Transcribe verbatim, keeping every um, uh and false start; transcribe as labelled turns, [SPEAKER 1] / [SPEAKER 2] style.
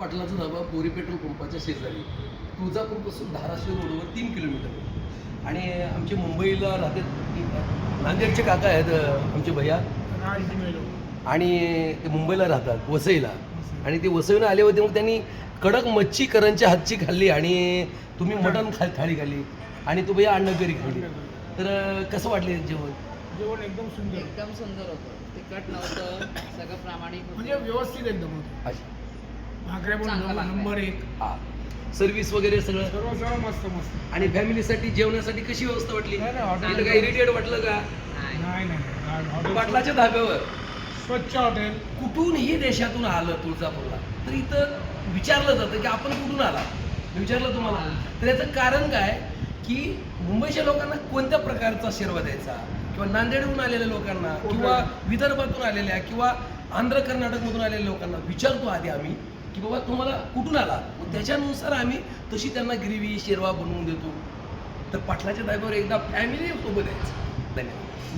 [SPEAKER 1] पाटलाचा धाबा बोरी petrol पंपाच्या शेजारी, तुळजापूरपासून धाराशिव रोडवर तीन किलोमीटर. आणि आमचे मुंबईला राहते, नांदेडचे काका आहेत आमचे भैया, आणि ते मुंबईला राहतात वसईला. आणि ते वसईला आले होते, मग त्यांनी कडक मच्छी करंच्या हातची खाल्ली आणि तुम्ही मटण खा थाळी खाल्ली आणि तू भैया अंडकरी खाल्ली. तर कसं वाटले जेवण?
[SPEAKER 2] जेवण एकदम सुंदर,
[SPEAKER 3] एकदम सुंदर होतं. तिखट नव्हतं, सगळं प्रामाणिक होतं.
[SPEAKER 2] म्हणजे व्यवस्थित एकदम होतं.
[SPEAKER 1] अच्छा,
[SPEAKER 2] भाकऱ्या पण
[SPEAKER 3] चांगलं लागलं.
[SPEAKER 2] नंबर एक,
[SPEAKER 1] हां, सर्व्हिस वगैरे सगळं.
[SPEAKER 2] सर्व सर्व मस्त मस्त.
[SPEAKER 1] आणि फॅमिलीसाठी जेवणासाठी कशी व्यवस्था वाटली?
[SPEAKER 2] नाही, नाही, हॉटेल-
[SPEAKER 1] इथं काय इरिटेट वाटलं का?
[SPEAKER 3] नाही.
[SPEAKER 2] नाही नाही हॉटेल
[SPEAKER 1] पाटलाच्या धाब्यावर
[SPEAKER 2] स्वच्छ हॉटेल.
[SPEAKER 1] कुठूनही देशातून आलं तुळजापूरला तर इथं विचारलं जातं की आपण कुठून आला. मी विचारलं तुम्हाला, तर याचं कारण काय की मुंबईच्या लोकांना कोणत्या प्रकारचा शेरवा द्यायचा, किंवा नांदेडहून आलेल्या लोकांना, किंवा विदर्भातून आलेल्या, किंवा आंध्र कर्नाटकमधून आलेल्या लोकांना विचारतो आधी आम्ही की बाबा तुम्हाला कुठून आला, मग त्याच्यानुसार आम्ही तशी त्यांना ग्रेव्ही शेरवा बनवून देतो. तर पाटलाच्या धाब्यावर एकदा फॅमिली सोबत यायचं. धन्यवाद.